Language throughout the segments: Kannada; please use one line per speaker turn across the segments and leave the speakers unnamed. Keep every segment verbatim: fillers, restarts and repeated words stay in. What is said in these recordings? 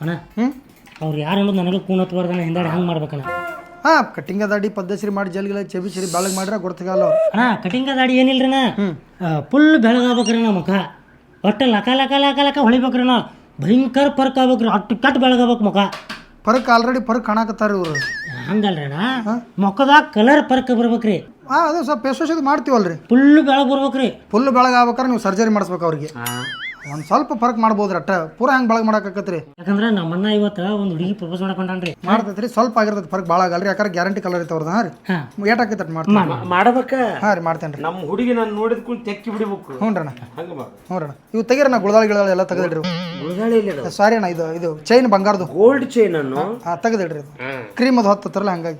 ಅಣ್ಣ ಹ್ಞೂ ಅವ್ರು ಯಾರು ಅನ್ನೋದು ನನಗೆ ಕೂಣತ್ಬಾರ್ದಣ್ಣ ಹಿಂದಾಡಿ ಹಂಗೆ ಮಾಡ್ಬೇಕಣ್ಣ.
ಹಾಂ ಕಟಿಂಗ ದಾಡಿ ಪದ್ದಸಿರಿ ಮಾಡಿ ಜಲ್ಗಿಲ್ಲ ಚೆಬಿ ಸಿರಿ ಬೆಳಗ್ಗೆ ಮಾಡ್ರೆ ಗೊತ್ತಾಗಲ್ಲ ಅವ್ರು.
ಅಣ್ಣ ಕಟಿಂಗ ದಾಡಿ ಏನಿಲ್ರಿ ಅಣ್ಣ ಫುಲ್ ಬೆಳಗಾಗ್ಬೇಕ್ರಿ ಅಣ್ಣ ಮುಖ ಒಟ್ಟು ಲಕ ಲಕ ಲಕ ಲಕ ಹೊಳಿಬೇಕ್ರಿ ಅಣ್ಣ ಭಯಂಕರ ಪರ್ಕ್ ಆಗ್ಬೇಕ್ರಿ ಅಟ್ಟು ಕಟ್ ಬೆಳಗಾಗ್ಬೇಕು ಮುಖ.
ಪರ್ಕ್ ಆಲ್ರೆಡಿ ಪರ್ಕ್ ಕಾಣಕತ್ತಾರ ಇವರು.
ಹಂಗಲ್ರಿ ಅಣ್ಣ ಮುಖದಾಗ ಕಲರ್ ಪರ್ಕ್ ಬರ್ಬೇಕ್ರಿ.
ಹಾಂ ಅದು ಸ್ವಲ್ಪ ಫೇಸ್ ವಾಶ್ ಮಾಡ್ತೀವಲ್ರಿ
ಫುಲ್ ಬೆಳಗ್ಗೆ ಬರ್ಬೇಕ್ರಿ.
ಫುಲ್ ಬೆಳಗ್ಗೆ ಆಗ್ಬೇಕಾರೆ ನೀವು ಸರ್ಜರಿ ಮಾಡಿಸ್ಬೇಕು ಅವ್ರಿಗೆ. ಒಂದು ಸ್ವಲ್ಪ ಫರ್ಕ್ ಮಾಡ್ಬೋದ್ರಿ ಅಟ್ಟ ಪೂರ ಹೆಂಗೆ ಬೆಳಗ್ಗೆ ಮಾಡಕತ್ರಿ.
ಯಾಕಂದ್ರೆ ನಮ್ಮನ್ನ ಇವತ್ತು ಒಂದು ಹುಡುಗಿ ಪ್ರಪೋಸ್ ಮಾಡಕೊಂಡ್ರಿ
ಮಾಡ್ತೈತ್ರಿ ಸ್ವಲ್ಪ ಆಗಿರ್ತೈತಿ ಫರ್ಕ್ ಭಾಳ ಆಗಲ್ರಿ ಯಾಕಂದ್ರೆ ಗ್ಯಾರಂಟಿ ಕಲರ್ ಐತೆ ಹಾಂ ರೀ ಏಟ್ ಹಾಕೈತೆ ಮಾಡ್ತೀನಿ
ಮಾಡ್ಬೇಕ.
ಹಾಂ ರೀ ಮಾಡ್ತೇನೆ ರೀ.
ನಮ್ಮ ಹುಡುಗಿ ನಾನು ನೋಡಿದ ಕೂಡ ತೆಕ್ಕಿ ಬಿಡಬೇಕು.
ಹ್ಞೂ ರೀ ಅಣ್ಣ ಹ್ಞೂ ರೀ ಅಣ್ಣ ಇವು ತೆಗೀರಿ ನಾ ಗುಳದಾಳಿ ಗಿಳದಾಳಿ ಎಲ್ಲ ತೆಗೆದಿಡ್ರಿ.
ಗುಳದಾಳಿ ಇಲ್ಲ
ಸಾರಿ ಅಣ್ಣ ಇದು ಇದು ಚೈನ್ ಬಂಗಾರದು
ಗೋಲ್ಡ್ ಚೈನ್ ಅನ್ನು
ಹಾಂ ತೆಗೆದಿಡ್ರಿ ಇದು ಕ್ರೀಮ್ ಅದು ಹತ್ತತ್ರಲ್ಲ ಹಂಗಾಗಿ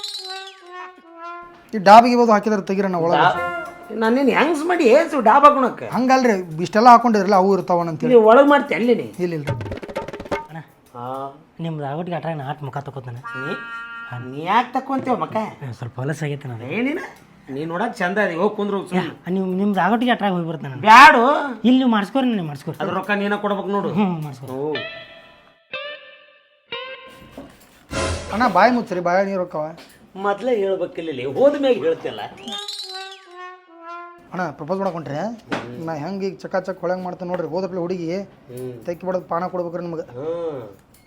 ಈ ಡಾಬಿಗೆ ಬೋದು ಹಾಕಿದ್ರೆ ತೆಗೀರಣ್ಣ ಒಳಗೆ.
ನಾನೇನು ಹೆಂಗ್ಸ್ ಮಾಡಿ ಏಸು ಡಾಬಾ ಗುಣಕ್ಕೆ
ಹಂಗಲ್ರಿ ಇಷ್ಟೆಲ್ಲ ಹಾಕೊಂಡಿದ್ರಲ್ಲ ಅವು ಇರ್ತಾವಣ ಅಂತೇಳಿ
ನೀವು ಒಳಗೆ ಮಾಡ್ತಿ ಅಲ್ಲಿ ನೀ
ಇಲ್ಲ ಇಲ್ಲ
ಅಣ್ಣ ನಿಮ್ದು ಆಗೋಟಿಗೆ ಅಟ್ರಾಗ ನಾ ಆಟ ಮುಖ ತಗೋತಾನೆ.
ನೀ ಯಾಕೆ ತಕೊಂತೇವ ಮಕ್ಕ
ಸ್ವಲ್ಪ ಹೊಲಸ ಆಗೈತೆ ನಾನು
ಏನಿನ ನೀ ನೋಡಕ್ ಚಂದ ಅದಿ ಹೋಗಿ ಕುಂದ್ರು
ನೀವು ನಿಮ್ದು ಆಗೋಟಿಗೆ ಅಟ್ರಾಗ ಹೋಗಿ ಬರ್ತಾನೆ
ಬ್ಯಾಡು
ಇಲ್ಲಿ ನೀವು ಮಾಡಿಸ್ಕೋರಿ ನೀವು ಮಾಡಿಸ್ಕೋರಿ
ಅದ್ರ ರೊಕ್ಕ ನೀನ ಕೊಡ್ಬೇಕು ನೋಡು.
ಹ್ಞೂ ಮಾಡಿಸ್ಕೋರಿ.
ಅಣ್ಣ ಬಾಯಿ ಮುಚ್ಚರಿ ಬಾಯ ನೀರು ಹೋಕ್ಕವ
ಮೊದ್ಲೇ ಹೇಳ್ಬೇಕಿಲ್ಲ ಹೋದ ಮ್ಯಾಗ ಹೇಳ್ತಿಲ್ಲ.
ಅಣ್ಣ ಪ್ರಪೋಸ್ ಮಾಡಕೊಂಡ್ರೆ ನಾ ಹೆಂಗೆ ಈಗ ಚಕ ಚಕ್ ಹೊಳಂಗೆ ಮಾಡ್ತೇನೆ ನೋಡ್ರಿ ಹೋದಪ್ಲೆ ಹುಡುಗಿ ತೆಕ್ಕಿ ಬಿಡೋದು ಪಾನ ಕೊಡ್ಬೇಕ್ರಿ ನಿಮ್ಗೆ.
ಹ್ಮ್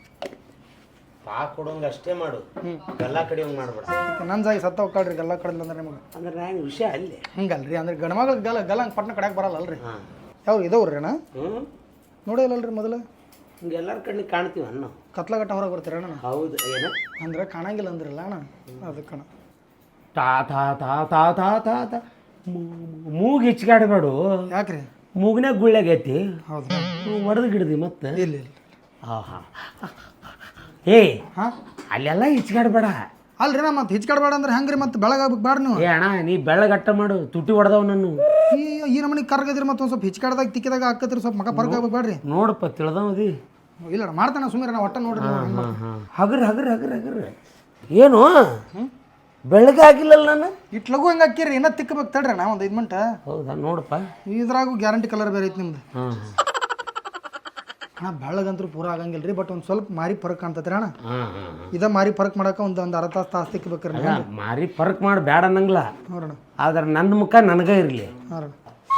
ಪಾ ಕೊಡೋಂಗ ಅಷ್ಟೇ ಮಾಡು ಎಲ್ಲ ಕಡೆ ಹಂಗೆ ಮಾಡ್ಬೇಡ.
ನನ್ನ ಜಾಗಿ ಸತ್ತ ಹೋಗ್ಕಾಳ್ರಿ ಗಲ್ಲ ಕಡಲ್ ಅಂದ್ರೆ ನಿಮ್ಗೆ
ಅಂದ್ರೆ ನಾನು ವಿಷಯ ಅಲ್ಲಿ
ಹಿಂಗಲ್ರಿ ಅಂದ್ರೆ ಗಣಮಗಳ ಗಲ್ಲ ಗಲ್ಲ ಹಂಗೆ ಪಟ್ನ ಕಡೆಯಾಗ ಬರಲ್ಲ ಅಲ್ರಿ. ಯಾವ ಇದಾವ್ರಿ ಅಣ್ಣ
ಹ್ಞೂ
ನೋಡಿಲ್ಲಲ್ರಿ ಮೊದಲು
ಹಿಂಗೆ ಎಲ್ಲರ ಕಣ್ಣಿಗೆ ಕಾಣ್ತೀವಿ ಅಣ್ಣ
ಕತ್ಲಗಟ್ಟ ಹೊರಗೆ ಬರ್ತೀರ ಅಣ್ಣ.
ಹೌದು ಏನು
ಅಂದ್ರೆ ಕಾಣಂಗಿಲ್ಲ ಅಂದ್ರಲ್ಲ ಅಣ್ಣ ಅದಕ್ಕೆ ಅಣ್ಣ
ತಾ ತಾ ತಾ ತಾ ತಾ ತಾ ತಾ ಮೂಗು ಹೆಚ್ಚಿಗಾಡಬೇಡು.
ಯಾಕ್ರಿ
ಮೂಗಿನಾಗ ಗುಳ್ಳೆಗೈತಿ
ಹೌದು
ಒಡೆದು ಗಿಡದಿ ಮತ್ತೆ
ಇಲ್ಲ ಇಲ್ಲ
ಹಾಂ ಹಾಂ ಏ
ಹಾಂ
ಅಲ್ಲೆಲ್ಲ ಹೆಚ್ಚಿಗಾಡಬೇಡ.
ಅಲ್ರಿ ನಾ ಮತ್ತೆ ಹಿಚ್ಕಾಡ್ಬೇಡ ಅಂದ್ರೆ ಹೆಂಗ್ರಿ ಮತ್ತೆ ಬೆಳಗಾಗ್ಬೇಕು ಬೇಡ ನೀವು.
ಏ ಅಣ್ಣ ನೀ ಬೆಳ್ಳಗಟ್ಟ ಮಾಡು ತುಟಿ ಹೊಡೆದವ್ ನಾನು
ಈ ಈ ನಮ್ಮನಿಗೆ ಕರ್ಗದಿರಿ ಮತ್ತೆ ಒಂದು ಸ್ವಲ್ಪ ಹಿಚ್ಕಾಡ್ದಾಗ ತಿಕ್ಕಿದಾಗ ಹಾಕತ್ರಿ ಸ್ವಲ್ಪ ಮಗ ಪರ್ಕ್ ಆಗ್ಬೇಕು ಬೇಡ್ರಿ.
ನೋಡಪ್ಪ ತಿಳಿದವದಿ
ಇಲ್ಲ ಮಾಡ್ತಾನೆ ಸುಮ್ಮನೆ ನಾ ಒಟ್ಟ ನೋಡ್ರಿ
ಹಗರ್ ಹಗರ್ ಹಗರ್ ಹಗರ್ ಏನು ಬೆಳಗ್ಗೆ ಆಗಿಲ್ಲಲ್ಲ ನಾನು
ಇಟ್ ಲಘು ಹೆಂಗೆ ಹಾಕಿರಿ ಇನ್ನೂ ತಿಕ್ಕಬೇಕು ತಡ್ರಿ ನಾ ಒಂದು ಐದು ಮಿನಿಟ್.
ಹೌದಾ ನೋಡಪ್ಪ
ಇದ್ರಾಗೂ ಗ್ಯಾರಂಟಿ ಕಲರ್ ಬೇರೆ ಐತಿ ನಿಮ್ದು.
ಹಾಂ
ಅಣ್ಣ ಬೆಳಗಂತೂ ಪೂರ ಆಗಂಗಿಲ್ಲ ರೀ ಬಟ್ ಒಂದು ಸ್ವಲ್ಪ ಮಾರಿ ಫರಕ್ ಕಾಣ್ತೈತ್ರಿ ಅಣ್ಣ.
ಹಾಂ ಹಾಂ
ಇದ ಮಾರಿ ಫರಕ್ ಮಾಡಕ್ಕೆ ಒಂದು ಒಂದು ಅರ್ಧ ತಾಸು ತಾಸು ತಿಕ್ಕಬೇಕ್ರಿ ನೀವು.
ಮಾರಿ ಫರ್ಕ್ ಮಾಡಿ ಬೇಡ ಅನ್ನಂಗಿಲ್ಲ
ನೋಡೋಣ
ಆದ್ರೆ ನನ್ನ ಮುಖ ನನಗೆ ಇರಲಿ.
ನೋಡೋಣ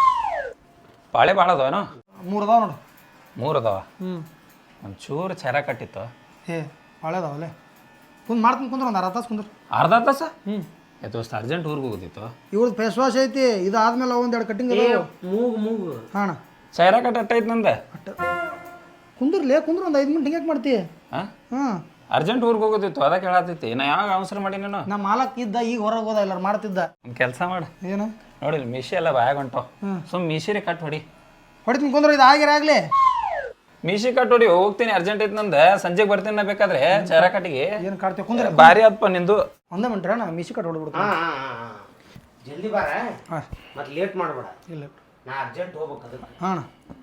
ಬಾಳೆ ಭಾಳ ಅದಾವೇನೋ
ಮೂರು ಅದಾವ ನೋಡು.
ಮೂರು ಅದಾವ
ಹ್ಞೂ
ಒಂಚೂರು ಚೆರ ಕಟ್ಟಿತ್ತು
ಏ ಭಾಳ ಅದಾವಲ್ಲೇ ಕುಂದು ಮಾಡ್ತೀನಿ ಕುಂದ್ರ ಒಂದು ಅರ್ಧ ತಾಸು ಕುಂದ್ರ.
ಅರ್ಧ ತಾಸ
ಹ್ಞೂ
ಎತ್ತು ಅಷ್ಟು ಅರ್ಜೆಂಟ್ ಊರಿಗೆ ಹೋಗೋದಿತ್ತು.
ಇವ್ರದ್ದು ಫೇಸ್ ವಾಶ್ ಐತಿ ಇದು ಆದ್ಮೇಲೆ ಒಂದು ಎರಡು ಕಟ್ಟಿಂಗ್ ಅದಾವ.
ಮೂಗು ಮೂಗು
ಹಾಂ ಅಣ್ಣ
ಚೆರ ಕಟ್ಟ ಅಟ್ಟೈತೆ ನಂದೆ
ಕುಂದ್ರಲೇ ಕುಂದ್ರ ಒಂದು ಐದು ಮಿನಿಟ್ ಹಿಂಗೆ ಮಾಡ್ತಿ.
ಹಾಂ
ಹಾಂ
ಅರ್ಜೆಂಟ್ ಊರಿಗೆ ಹೋಗೋದಿತ್ತು ಅದಕ್ಕೆ ಹೇಳತ್ತೈತಿ ನಾ ಯಾವಾಗ ಅವಸರ ಮಾಡಿ ನಾನು
ನಮ್ಮ ಮಾಲಕ್ ಇದ್ದ ಈಗ ಹೊರಗೆ ಹೋದ ಎಲ್ಲರೂ ಮಾಡ್ತಿದ್ದ.
ಒಂದು ಕೆಲಸ ಮಾಡು
ಏನು
ನೋಡಿಲ್ಲ ಮೀಶಿ ಎಲ್ಲ ಬಾಯಾಗ ಹೊಂಟು ಸುಮ್ಮ ಮೀಶಿರಿ ಕಟ್ ಹೊಡಿ
ಹೊಡಿತೀನಿ ಕುಂದ್ರ ಇದು ಆಗಿರ ಆಗಲಿ
ಮೀಶಿ ಕಟ್ ಹೊಡಿ ಹೋಗ್ತೀನಿ ಅರ್ಜೆಂಟ್ ಐತೆ ನಂದು ಸಂಜೆಗೆ ಬರ್ತೀನಿ ನಾ ಬೇಕಾದ್ರೆ ಚೆರ ಕಟ್ಟಿಗೆ
ಏನು ಕಾಡ್ತೀವಿ ಕುಂದ್ರ
ಭಾರಿ ಅಪ್ಪ ನಿಂದು
ಒಂದೇ ಮಿನಿಟ್ ನಾ ಮಿಸಿ ಕಟ್ ಹೊಡ್ಬಿಡ್ತೀನಿ.
ಹಾಂ ಹಾಂ ಹಾಂ ಜಲ್ದಿ ಬಾರ
ಹಾಂ
ಮತ್ತೆ ಲೇಟ್ ಮಾಡಬೇಡ.
ಇಲ್ಲ
ನಾ ಅರ್ಜೆಂಟ್ ಹೋಗ್ಬೇಕು ಅದಕ್ಕೆ.
ಹಾಂ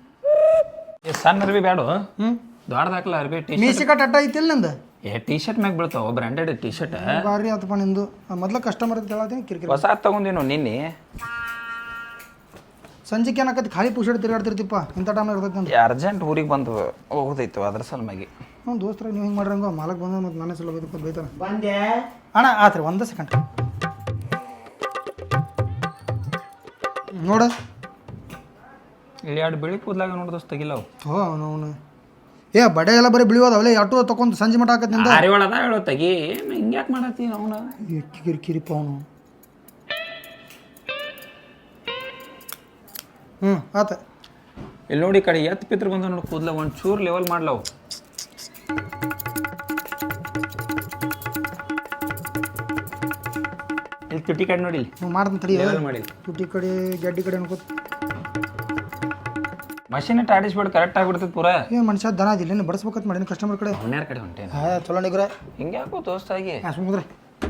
ಈ ಸಣ್ಣ ಅರ್ಬಿ ಬೇಡ
ಹ್ಞೂ
ದೊಡ್ಡದಾಕಲ್ಲ ಅರ್ಬಿ ಟೀ
ಮೀಸಿ ಕಟ್ ಅಟ್ಟ ಐತಿಲ್ಲ ನಂದು.
ಏ ಟೀ ಶರ್ಟ್ ಮ್ಯಾಗ ಬೀಳ್ತಾವ ಬ್ರ್ಯಾಂಡೆಡ್ ಟೀ ಶರ್ಟ್
ಭಾರಿ ಆತಪ್ಪ ನಿಂದು. ಮೊದ್ಲು ಕಸ್ಟಮರ್ ಅಂತ ಹೇಳತ್ತೀನಿ ಕಿರಿಕಿರಿ.
ಹೊಸ ತಗೊಂಡಿನು ನಿನ್ನೆ
ಸಂಜೆಗೆ ಏನಾಕತಿ ಖಾಲಿ ಪುಷಡ್ ತಿರುಗಾಡ್ತಿರ್ತಿಪ್ಪ ಇಂಥ ಟೈಮ್ ಇರ್ತೈತಿ ಅಂತ.
ಅರ್ಜೆಂಟ್ ಊರಿಗೆ ಬಂದು ಹೋಗೋದೈತು ಅದ್ರ ಸಲುವಾಗಿ.
ಹ್ಞೂ ದೋಸ್ತರ ನೀವು ಹಿಂಗೆ ಮಾಡ್ರಂಗ ಮಾಲಕ್ ಬಂದ ಮತ್ತು ನಾನೇ ಸಲ ಬೈದಪ್ಪ ಬೈತಾನೆ.
ಬಂದೆ
ಅಣ್ಣ ಆತ್ರಿ ಒಂದೇ ಸೆಕೆಂಡ್ ನೋಡ
ಇಲ್ಲಿ ಎರಡು ಬಿಳಿ ಕೂದಲಾಗ ನೋಡಿದಷ್ಟು ತೆಗಿಲ್ಲವು.
ಹೋ ಅವನು ಏ ಬಡೆ ಎಲ್ಲ ಬರೀ ಬಿಳಿಯೋದವಲ್ಲ ಆಟೋ ತಗೊಂಡು ಸಂಜೆ ಮಟ್ಟ ಹಾಕತ್ ನಿಂದ.
ಅರಿವಾಳ ಅದ ಹೇಳೋ ತೆಗಿ ಏನು ಹಿಂಗ್ಯಾಕೆ ಮಾಡತ್ತೀನಿ ಅವನ
ಕಿರಿ ಕಿರಿಪ್ಪ ಅವನು. ಹ್ಞೂ ಆತ
ಇಲ್ಲಿ ನೋಡಿ ಕಡೆ ಎತ್ತು ಪಿತ್ರ ಬಂದ ನೋಡಿ ಕೂದಲ ಒಂದು ಚೂರು ಲೆವೆಲ್ ಮಾಡ್ಲವು. ಇಲ್ಲಿ ತುಟಿ ಕಡೆ ನೋಡಿ
ನೀವು ಮಾಡ್ತೀನಿ ತಡಿ
ಲೆವೆಲ್ ಮಾಡಿ
ತುಟಿ ಕಡೆ ಗಡ್ಡಿ ಕಡೆ ಅನ್ಕೋತ
ಮಷೀನ್ ಇಟ್ಟು ಆಡಿಸ್ಬಿಟ್ಟು ಕರೆಕ್ಟ್ ಆಗಿಬಿಡ್ತೈತೆ ಪೂರ.
ಏನು ಮನುಷ್ಯ ದನ ಅದಿಲ್ಲ ಏನು ಬಡಿಸ್ಬೇಕಂತ ಮಾಡೀನಿ ಕಸ್ಟಮರ್ ಕಡೆ.
ಅವನ್ಯಾರ ಕಡೆ ಹೊಂಟೇನು
ಹಾಂ ಚಲೋ ನಿಗ್ರೆ
ಹಿಂಗ್ಯಾಕೋ ದೋಸ್ತಾಗಿ
ಹಾಂ ಸುಮ್ಮನೆ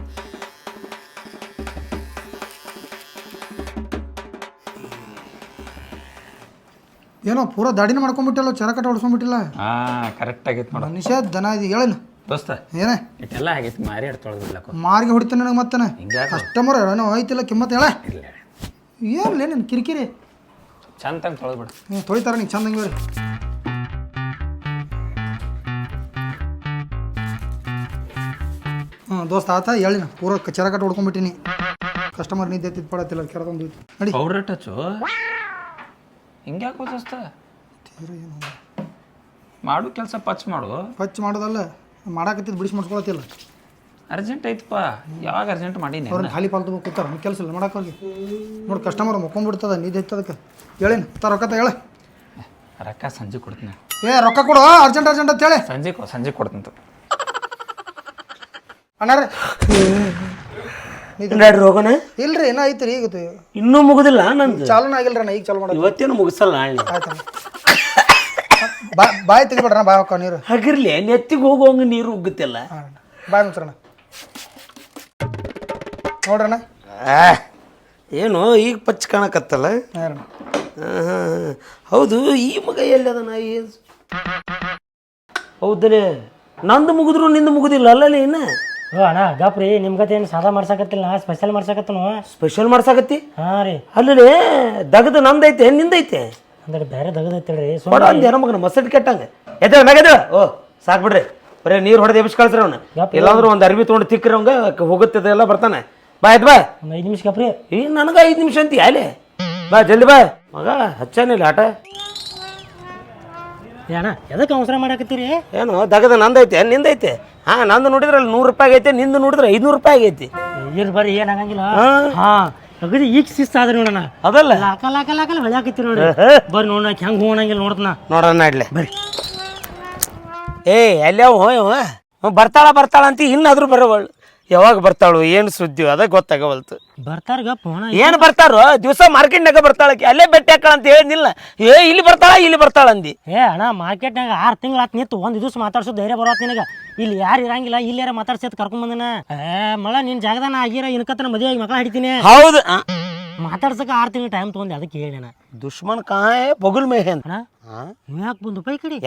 ಏನೋ ಪೂರ ದಾಡಿನ ಮಾಡ್ಕೊಂಡ್ಬಿಟ್ಟಿಲ್ಲ ಚರಕಟ ಹೊಡ್ಸ್ಕೊಂಡ್ಬಿಟ್ಟಿಲ್ಲ.
ಹಾಂ ಕರೆಕ್ಟ್ ಆಗೈತೆ ನೋಡ
ಮನುಷ್ಯ ದನ ಇದು ಹೇಳೇನು
ದೋಸ್ತ
ಏನೇ
ಇಟ್ಟೆಲ್ಲ ಆಗೈತಿ ಮಾರಿ ಆಡ್ ತೊಳೆದಿಲ್ಲಕೋ
ಮಾರ್ಗೆ ಹೊಡಿತಾನೆ ನನಗೆ ಮತ್ತೆ
ಹಿಂಗ್ಯಾಕೆ
ಕಸ್ಟಮರ್ ಏನೋ ಐತಿಲ್ಲ ಕಿಮ್ಮತ್ತು ಹೇಳ
ಇಲ್ಲ
ಏನ್ಲೇ ನೀನು ಕಿರಿಕಿರಿ
ಚಂದ ತಂಗೆ ತೊಳೆದ್ಬಿಡು.
ನೀವು ತೊಳಿತಾರ ನೀವು ಚಂದಂಗೆ ಬೇರೆ ದೋಸ್ತ ಆತ ಹೇಳಿ ಪೂರ ಚರ ಕಟ್ಟು ಹೊಡ್ಕೊಂಡ್ಬಿಟ್ಟಿನಿ ಕಸ್ಟಮರ್ ನಿದ್ದೆ ಎತ್ತಿದ್ ಪಡತ್ತಿಲ್ಲ ಕೆರದೊಂದು ನಡಿ
ಪೌಡ್ರ್ ಟಚ್ಚು ಹಿಂಗ್ಯಾಕೋ ದೋಸ್ತ ಮಾಡು ಕೆಲಸ ಪಚ್ ಮಾಡು.
ಪಚ್ ಮಾಡೋದಲ್ಲ ಮಾಡಾಕತ್ತಿದ್ ಬಿಡಿಸಿ ಮಾಡ್ಕೊಳತ್ತಿಲ್ಲ.
ಅರ್ಜೆಂಟ್ ಐತಪ್ಪ, ಯಾವಾಗ ಅರ್ಜೆಂಟ್ ಮಾಡೀನಿ
ಅವ್ರನ್ನ ಖಾಲಿ ಪಾಲ್ತು ಕೂತಾರ ಕೆಲಸ ಇಲ್ಲ ಮಾಡಕ್ಕೆ ಹೋಗಿ ನೋಡಿ ಕಸ್ಟಮರ್ ಮುಕ್ಕೊಂಡ್ಬಿಡ್ತದ ನಿದ್ದೆ ಎತ್ತದಕ್ಕೆ ಹೇಳಿನ ತ ರೊಕ್ಕ ಹೇಳ
ರೊಕ್ಕ ಸಂಜೆ ಕೊಡ್ತೀನಿ.
ಏ ರೊಕ್ಕ ಕೊಡು ಅರ್ಜೆಂಟ್ ಅರ್ಜೆಂಟ್ ಅಂತ ಹೇಳಿ
ಸಂಜೆ ಸಂಜೆ ಕೊಡ್ತೀನಿ
ಅಣ್ಣಾರ
ನಡ್ರಿ ಹೋಗೋಣ.
ಇಲ್ರಿ ಏನೋ ಐತ್ರಿ ಈಗ
ಇನ್ನೂ ಮುಗುದಿಲ್ಲ ನಂದು.
ಚಾಲನ ಆಗಿಲ್ರಿ ನಾ ಈಗ ಚಾಲು ಮಾಡೋದು.
ಇವತ್ತೇನು ಮುಗಿಸಲ್ಲ ನಾಳೆ.
ಆಯ್ತು ಬಾ ಬಾಯಿ ತೆಗಿಬೇಡ್ರಣ ಬಾಯ್ ಹಾಕ ನೀರು
ಹಾಗಿರ್ಲಿ ನೆತ್ತಿಗೆ ಹೋಗುವಂಗ ನೀರು ಉಗ್ಗುತ್ತಿಲ್ಲ.
ಬಾಯ್ ಮುಚ್ಚರಣ ನೋಡ್ರಣ.
ಏನು ಈಗ ಪಚ್ಚ ಕಾಣಕತ್ತಲ್ಲ.
ಹಾಂ
ಹೌದು ಈ ಮಗ ಎಲ್ಲಿ ಅದ ನಾ ಹೌದಲೇ ನಂದು ಮುಗಿದ್ರು ನಿಂದು ಮುಗುದಿಲ್ಲ ಅಲ್ಲಲ್ಲಿ ಇನ್ನ.
ಓ ಅಣ್ಣ ಗಪ್ರಿ ನಿಮ್ಮ ಗತೆ ಏನು ಸಾದಾ ಮಾಡ್ಸಕತ್ತಿಲ್ಲ ನಾ ಸ್ಪೆಷಲ್ ಮಾಡ್ಸಕತ್ತನು.
ಸ್ಪೆಷಲ್ ಮಾಡ್ಸಾಕತ್ತಿ?
ಹಾಂ ರೀ.
ಅಲ್ಲೇ ದಗದು ನಂದೈತೆ ನಿಂದೈತೆ
ಅಂದ್ರೆ ಬೇರೆ ದಗದೈತಿಲ್ರಿ
ಬಡ ಅಂದ ಮಗನ ಮಸಡ್ ಕೆಟ್ಟಂಗ ಎದ್ದೇಳ ಮ್ಯಾಗ ಓ ಸಾಕು ಬಿಡ್ರಿ ಬರೀ ನೀರು ಹೊಡೆದು ಎಬ್ಸಿ ಕಳ್ಸ್ರಿ ಅವ್ನ. ಇಲ್ಲಾಂದ್ರೆ ಒಂದು ಅರ್ಬಿ ತೊಗೊಂಡು ತಿಕ್ಕ್ರಿ ಅವಂಗ ಹೋಗುತ್ತದೆ ಎಲ್ಲ ಬರ್ತಾನೆ. ಬಾ ಆಯ್ತು ಬಾ.
ಒಂದು ಐದು ನಿಮಿಷ ಗಪ್ರಿ.
ಈ ನನಗೆ ಐದು ನಿಮಿಷ ಅಂತೀಯ ಅಲ್ಲೇ ಬಾ ಜಲ್ದಿ ಬಾ ಮಗ ಹಚ್ಚಾನಿಲ್ಲ ಆಟ.
ಅಣ್ಣ ಎದಕ್ಕೆ ಅವಸರ ಮಾಡಾಕತ್ತೀರಿ?
ಏನು ದಗದ ನಂದೈತೆ ನಿಂದೈತೆ? ಹಾಂ ನಂದು ನೋಡಿದ್ರೆ ಅಲ್ಲಿ ನೂರು ರೂಪಾಯಿ ಆಗೈತೆ, ನಿಂದು ನೋಡಿದ್ರೆ ಐದುನೂರು ರೂಪಾಯಿ ಆಗೈತಿ.
ಇರ್ ಬರ್ರಿ ಏನು ಆಗಂಗಿಲ್ಲ. ಹಾಂ ಅಗದಿ ಈಗ ಶಿಸ್ತು ಆದ್ರಿ ನೋಡೋಣ.
ಅದಲ್ಲ
ಲಾಕ ಲಾಕ ಲಾಕಲ್ಲ ಹೊಳ್ಯಾಕತ್ತೀರಿ ನೋಡ್ರಿ. ಬರ್ರಿ ನೋಡ ಹೆಂಗೆ ಹೋಗಂಗಿಲ್ಲ ನೋಡ್ತನ
ನೋಡೋಣ ಇಡ್ಲೆ ಬರ್ರಿ. ಏ ಅಲ್ಯಾವ ಇವ ಬರ್ತಾಳ ಬರ್ತಾಳ ಅಂತ ಇನ್ನಾದ್ರೂ ಬರೋವಳು. ಯಾವಾಗ ಬರ್ತಾಳು ಏನು ಸುದ್ದಿ ಅದ ಗೊತ್ತಾಗವಲ್ತು.
ಬರ್ತಾರ ಗಪ್ಪ
ಏನು ಬರ್ತಾರೋ ದಿವಸ ಮಾರ್ಕೆಟ್ನಾಗ ಬರ್ತಾಳಕ್ಕೆ ಅಲ್ಲೇ ಬೆಟ್ಟ ಹಾಕಳ ಅಂತ ಹೇಳಿದ್ನಿಲ್ಲ. ಏ ಇಲ್ಲಿ ಬರ್ತಾಳ ಇಲ್ಲಿ ಬರ್ತಾಳ ಅಂದಿ.
ಏ ಅಣ್ಣ ಮಾರ್ಕೆಟ್ನಾಗ ಆರು ತಿಂಗಳು ಆತ್ ನಿಂತು ಒಂದು ದಿವಸ ಮಾತಾಡ್ಸೋ ಧೈರ್ಯ ಬರೋತ್ ನಿನಗೆ. ಇಲ್ಲಿ ಯಾರು ಇರಂಗಿಲ್ಲ ಇಲ್ಲಿ ಯಾರ ಮಾತಾಡ್ಸತ್ ಕರ್ಕೊಂಡ್ ಬಂದನ. ಏ ಮಳ ನಿನ್ ಜಾಗದಾನ ಆಗಿರ ಇನ್ಕತ್ತನ ಮದುವೆ ಆಗಿ ಮಕ್ಕಳ ಹಿಡಿತೀನಿ.
ಹೌದು
ಮಾತಾಡ್ಸಕ್ಕೆ ಆರು ತಿಂಗಳು ಟೈಮ್ ತೊಗೊಂಡು ಅದಕ್ಕೆ ಹೇಳಿ ನಾ
ದುಶ್ಮನ್ ಕಾಯ್ ಬಗುಲ್ ಮೇಹೆ ಅಂತ.
ನೀವು ಯಾಕೆ ಬಂದು ಪೈ ಕಡೆ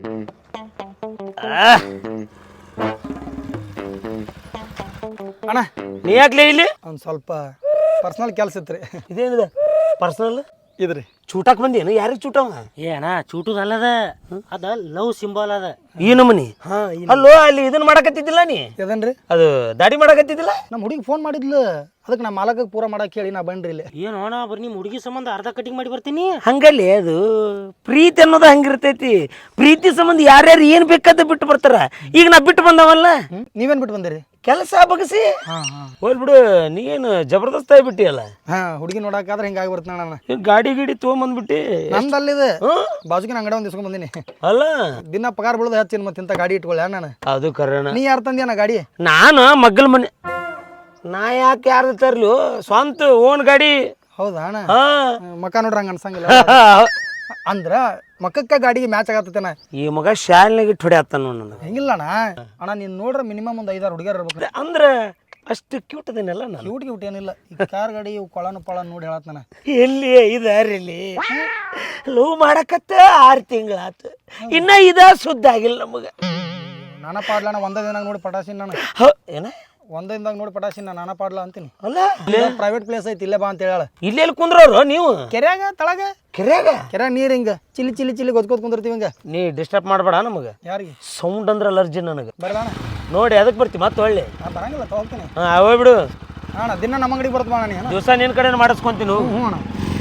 ಅಣ್ಣ
ನೀ ಯಾಕ್ಲೇ ಇಲ್ಲಿ?
ಒಂದು ಸ್ವಲ್ಪ ಪರ್ಸ್ನಲ್ ಕೆಲಸ ಇತ್ತು ರೀ.
ಇದೇನಿದೆ ಪರ್ಸನಲ್
ಇದ್ರಿ
ಚೂಟಾಕ್ ಬಂದೇನು? ಯಾರಿಗೆ ಚೂಟವ?
ಏ ಅಣ್ಣ ಚೂಟುದ ಅಲ್ಲದ ಅದ ಲವ್ ಸಿಂಬಲ್ ಅದ.
ಈ ನಮನಿ ಅಲ್ಲೋ ಅಲ್ಲಿ ಇದನ್ನ ಮಾಡಕತ್ತಿದ್ದಿಲ್ಲ ನೀ?
ಇದನ್ರಿ
ಅದು ದಾಡಿ ಮಾಡಕತ್ತಿದ್ದಿಲ್ಲ?
ನಮ್ಮ ಹುಡುಗಿ ಫೋನ್ ಮಾಡಿದ್ಲು ಅದಕ್ಕೆ ನಾ ಮಾಲಕಕ್ಕೆ ಪೂರ ಮಾಡಕ್ಕೆ ಹೇಳಿ ನಾ ಬನ್ರಿ ಇಲ್ಲಿ.
ಏನು ಅಣ್ಣ ಬರ್ರಿ ನಿಮ್ಮ ಹುಡುಗಿ ಸಂಬಂಧ ಅರ್ಧ ಕಟಿಂಗ್ ಮಾಡಿ ಬರ್ತೀನಿ.
ಹಂಗಲ್ಲಿ ಅದು ಪ್ರೀತಿ ಅನ್ನೋದು ಹಂಗಿರ್ತೈತಿ. ಪ್ರೀತಿ ಸಂಬಂಧ ಯಾರ್ಯಾರು ಏನು ಬೇಕಾದ ಬಿಟ್ಟು ಬರ್ತಾರ. ಈಗ ನಾ ಬಿಟ್ಟು ಬಂದವಲ್ಲ.
ನೀವೇನು ಬಿಟ್ಟು ಬಂದಿರಿ?
ಕೆಲಸ ಬಗಸಿ
ಹಾಂ ಹಾಂ
ಹೋಲ್ ಬಿಡು. ನೀನು ಜಬರ್ದಸ್ತ್ ಆಗಿಬಿಟ್ಟಿಯಲ್ಲ.
ಹಾಂ ಹುಡುಗಿ ನೋಡಕ್ಕಾದ್ರೆ ಹಿಂಗಾಗಿ ಬರ್ತಾನೆ ನಾನು.
ಈಗ ಗಾಡಿ ಗಿಡಿ ತೊಗೊಂಬಂದ್ಬಿಟ್ಟು
ನಂದು ಅಲ್ಲಿದೆ ಬಾಜುಕಿನ ಅಂಗಡಿ ಒಂದು ಇಸ್ಕೊಂಡ್ ಬಂದೀನಿ.
ಅಲ್ಲ
ದಿನ ಪಗಾರ ಬೀಳೋದು ಹೆಚ್ಚಿನ ಮತ್ತೆ ಇಂಥ ಗಾಡಿ ಇಟ್ಕೊಳ್ಳಿ ನಾನು.
ಅದು ಕರೆನ.
ನೀ ಯಾರು ತಂದ್ಯಾನ ಗಾಡಿ?
ನಾನು ಮಗ್ಗಲ್ ಮನೆ. ನಾ ಯಾಕೆ ಯಾರ್ದು ತರ್ಲು ಸ್ವಂತ ಓನ್ ಗಾಡಿ.
ಹೌದಾ ಅಣ್ಣ?
ಹಾ
ಮಕ್ಕ ನೋಡ್ರಿ ಹಂಗೆ ಅನ್ಸಂಗಿಲ್ಲ. ಅಂದ್ರ ಮಕ್ಕಕ್ಕ ಗಾಡಿಗೆ ಮ್ಯಾಚ್ ಆಗತ್ತೇನ?
ಈ ಮಗ ಶಾಲ್ನಾಗ ಇಟ್ಟು ಹೊಡ್ಯಾತ ನೋಡ್ ನನಗೆ.
ಹೆಂಗಿಲ್ಲ ಅಣ್ಣ ಅಣ್ಣ ನೀನು ನೋಡ್ರೆ ಮಿನಿಮಮ್ ಒಂದು ಐದಾರು ಹುಡುಗಿಯರು ಇರ್ಬೇಕು.
ಅಂದ್ರೆ ಅಷ್ಟು ಕ್ಯೂಟ್ ಅದೇನಲ್ಲ ನಾನು.
ಕ್ಯೂಟ್ ಕ್ಯೂಟ್ ಏನಿಲ್ಲ. ಈ ಕಾರ್ ಗಾಡಿ ಇವು ಕೊಳನು ಪಳ ನೋಡಿ ಹೇಳತ್ ನಾನು.
ಎಲ್ಲಿ ಇದಾರಿಲ್ಲಿ ಲವ್ ಮಾಡಕತ್ತ ಆರು ತಿಂಗಳಾತು ಇನ್ನ ಇದ ಸುದ್ದ ಆಗಿಲ್ಲ ನಮಗ.
ನಾನ ಪಾಡ್ಲ ಅಣ್ಣ ಒಂದೇ ದಿನ ನೋಡಿ ಪಟಾಸಿನ ನಾನು.
ಏನ
ಒಂದೇ ದಿನದಾಗ ನೋಡಿ ಪಟಾಸಿನ ನಾನ ಪಾಡ್ಲ ಅಂತೀನಿ.
ಅಲ್ಲ
ಪ್ರೈವೇಟ್ ಪ್ಲೇಸ್ ಐತಿ ಇಲ್ಲೇ ಬಾ ಅಂತ ಹೇಳ.
ಇಲ್ಲಿ ಎಲ್ಲಿ ಕುಂದ್ರವ್ರು ನೀವು?
ಕೆರೆಯಾಗ ತಳಗ
ಕೆರೆಯಾಗ
ಕೆರೆ ನೀರ್ ಹಿಂಗ ಚಿಲ್ಲಿ ಚಿಲ್ಲಿ ಚಿಲ್ಲಿ ಗೊತ್ಕೋತ್ ಕುಂದಿರ್ತೀವಿ ಹಿಂಗ.
ನೀ ಡಿಸ್ಟರ್ಬ್ ಮಾಡಬೇಡ ನಮಗೆ.
ಯಾರಿಗೆ?
ಸೌಂಡ್ ಅಂದ್ರೆ ಅಲರ್ಜಿ ನನಗೆ.
ಬರಲ್ಲ
ನೋಡಿ ಅದಕ್ಕೆ ಬರ್ತಿ ಮತ್ತೆ ಒಳ್ಳೆ.
ನಾ ಬರಂಗಿಲ್ಲ ತಗೋತೀನಿ.
ಹಾಂ ಹೋಗ್ಬಿಡು.
ಅಣ್ಣ ದಿನ ನಮ್ಮ ಅಂಗಡಿಗೆ ಬರ್ತಮ್ಮ ಅಣ್ಣ ನೀನು.
ದಿವಸ ನಿನ್ನ ಕಡೆ ಮಾಡಿಸ್ಕೊಂತೀನಿ.
ಹ್ಞೂ ಅಣ್ಣ.